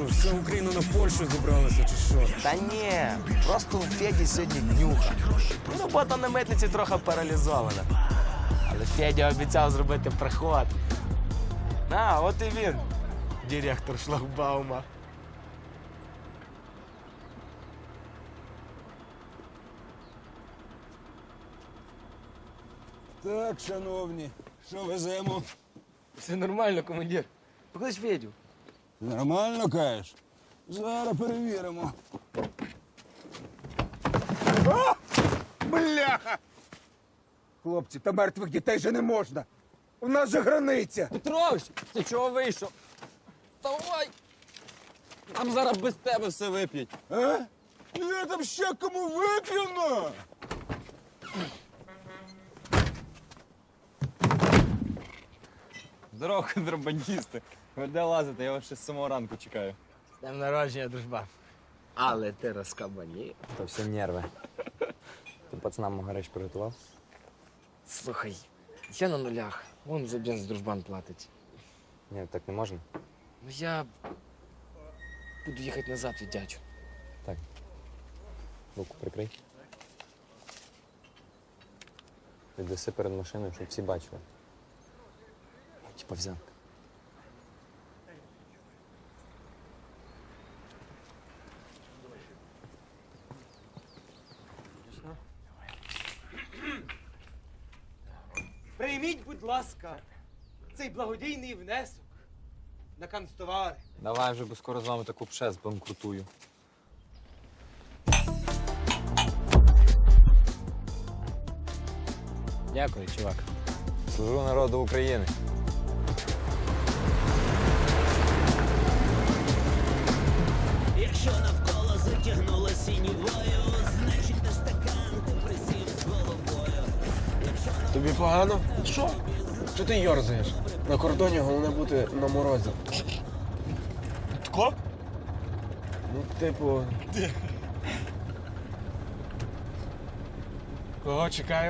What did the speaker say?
що, вся Україна на Польщу зібралася, чи що? Та ні, просто у Феді сьогодні днюха. Ну, робота на митниці трохи паралізована. Але Федя обіцяв зробити приход. А, от і він, директор шлагбаума. Так, шановні, що веземо? Все нормально, командир. Поклич Федю. Нормально кажеш? Зараз перевіримо. Бляха! Хлопці, та мертвих дітей же не можна. У нас же границя. Петрович, ти чого вийшов? Давай! Там зараз без тебе все вип'ють. А? Я там ще кому вип'яно. Здорово, контрабандісти. Ви де лазите? Я вас ще з самого ранку чекаю. З днем народження, дружба. Але ти розкабанів. То все нерви. Ти пацанам мого речі приготував? Слухай, я на нулях. Вон за бенз дружбан платить. Ні, так не можна. Ну я буду їхати назад від дядю. Так. Руку прикрий. Віддаси перед машиною, щоб всі бачили. Типа взятка. Прийміть, будь ласка, цей благодійний внесок на канцтовари. Давай вже, бо скоро з вами таку пше збанкрутую. Дякую, чувак. Служу народу України. Якщо навколо затягнуло сінівою, значить на стакан ти присів з головою. Тобі погано? Що? Що ти йорзаєш? На кордоні головне бути на морозі. Тако? Ну, типу. Кого чекаємо?